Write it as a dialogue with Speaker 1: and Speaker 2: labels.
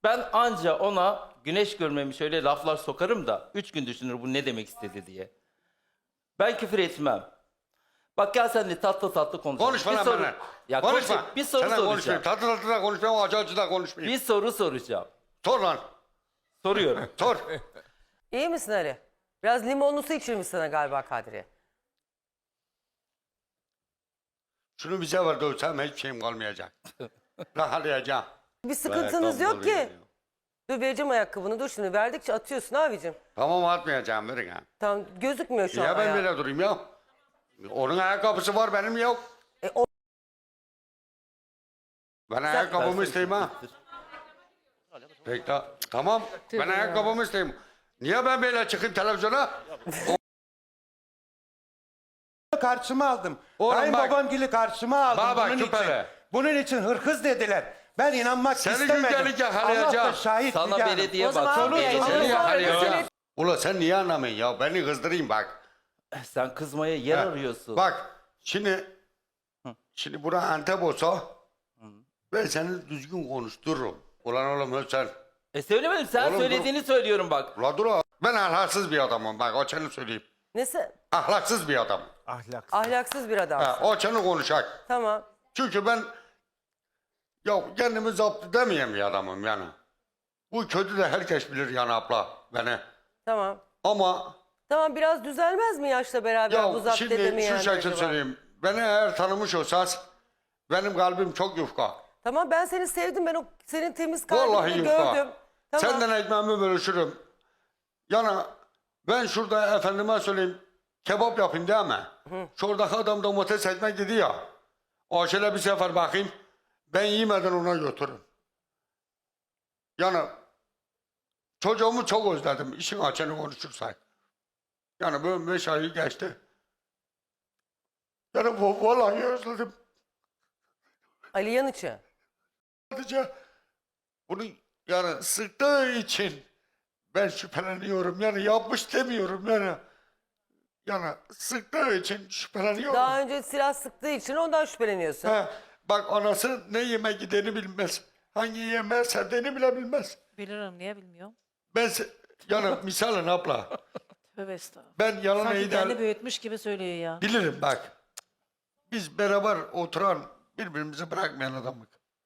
Speaker 1: Ben anca ona güneş görmemiş öyle laflar sokarım da 3 gün düşünür bu ne demek istedi diye. Ben küfür etmem. Bak gel sen de tatlı tatlı konuşalım.
Speaker 2: Konuşma
Speaker 1: Bir
Speaker 2: lan
Speaker 1: soru-
Speaker 2: benimle.
Speaker 1: Ya
Speaker 2: Konuşma.
Speaker 1: konuşayım, bir soru
Speaker 2: Sana
Speaker 1: soracağım.
Speaker 2: konuşmayayım. Tatlı tatlı da konuşmayayım, acı acı da konuşmayayım.
Speaker 1: Bir soru soracağım.
Speaker 2: Sor lan.
Speaker 1: Soruyorum.
Speaker 2: Sor.
Speaker 3: İyi misin Ali? Biraz limonlu su içirmiş sana galiba Kadriye.
Speaker 2: Şunu bize ver dövsem hiçbir şeyim kalmayacak. Rahatlayacağım.
Speaker 3: Bir sıkıntınız yok ki. Dur vereceğim ayakkabını. Dur şimdi verdikçe atıyorsun abicim.
Speaker 2: Tamam atmayacağım verin ha.
Speaker 3: Tamam gözükmüyor şu an
Speaker 2: Ya ben
Speaker 3: ayağı.
Speaker 2: böyle durayım ya. Onun ayakkabısı var benim yok.
Speaker 3: O...
Speaker 2: Ben ayakkabımı isteyeyim ha. Peki tamam. Ben ayakkabımı isteyeyim. Niye ben böyle çıkayım televizyona?
Speaker 4: Karşıma aldım.
Speaker 2: Oğlum
Speaker 4: Kayınbabam gibi karşıma aldım.
Speaker 2: Baba,
Speaker 4: bunun
Speaker 2: küpele.
Speaker 4: için. Bunun için hırkız dediler. Ben inanmak
Speaker 2: Seni
Speaker 4: istemedim.
Speaker 2: gündelik yakalayacağım.
Speaker 4: Allah da şahit
Speaker 1: Sana
Speaker 4: Müge Hanım.
Speaker 1: belediye
Speaker 3: O zaman
Speaker 1: baksın.
Speaker 3: abi,
Speaker 1: diyecek.
Speaker 3: onu
Speaker 2: Seni
Speaker 3: sonra
Speaker 2: yakalayacağım.
Speaker 3: mesele-
Speaker 2: Ulan sen niye anlamıyorsun ya? Beni kızdırayım bak.
Speaker 1: Sen kızmaya yer
Speaker 2: Ha,
Speaker 1: arıyorsun.
Speaker 2: Bak şimdi bura Antep olsa ben seni düzgün konuştururum. Ulan oğlum sen.
Speaker 1: Söylemedim sen
Speaker 2: Oğlum,
Speaker 1: söylediğini söylüyorum bak.
Speaker 2: Ulan dur o. Ben ahlaksız bir adamım bak o seni söyleyeyim.
Speaker 3: Nesi?
Speaker 2: Ahlaksız bir adam.
Speaker 4: Ahlaksız.
Speaker 3: Ahlaksız bir adam.
Speaker 2: Ha, o seni konuşacak.
Speaker 3: Tamam.
Speaker 2: Çünkü ben ya kendimi zapt edemeyen bir adamım yani. Bu kötü de herkes bilir yani abla beni.
Speaker 3: Tamam.
Speaker 2: Ama
Speaker 3: Tamam biraz düzelmez mi yaşla beraber bu
Speaker 2: ya
Speaker 3: zapt
Speaker 2: şimdi
Speaker 3: edemeyen
Speaker 2: şu şekilde
Speaker 3: acaba?
Speaker 2: söyleyeyim. Beni eğer tanımış olsanız benim kalbim çok yufka.
Speaker 3: Tamam ben seni sevdim. Ben o senin temiz kalbini
Speaker 2: Vallahi
Speaker 3: de
Speaker 2: yufka.
Speaker 3: gördüm. Tamam.
Speaker 2: Senden ekmeğimi bölüşürüm. Yani ben şurada efendime söyleyeyim kebap yapayım değil mi? Şuradaki adam domates ekmek dedi ya. O şöyle bir sefer bakayım. Ben yemeden ona götürün. Yani çocuğumu çok özledim. İşin açığını konuşursak. Yani böyle 5 ayı geçti. Yani vallahi özledim.
Speaker 3: Ali Yanıç'ı.
Speaker 2: Sadece bunu yani sıktığı için ben şüpheleniyorum. Yani yapmış demiyorum yani. Yani sıktığı için şüpheleniyorum.
Speaker 3: Daha önce silah sıktığı için ondan şüpheleniyorsun.
Speaker 2: He, bak anası ne yeme gideni bilmez. Hangi yemeğe sevdiğini bile bilmez.
Speaker 5: Bilirim, niye bilmiyorum?
Speaker 2: Yani misalın abla.
Speaker 5: Tövbe estağfurullah.
Speaker 2: Ben yalan
Speaker 5: Sanki
Speaker 2: eğden
Speaker 5: kendi büyütmüş gibi söylüyor ya.
Speaker 2: bilirim bak. Biz beraber oturan birbirimizi bırakmayan adamlık.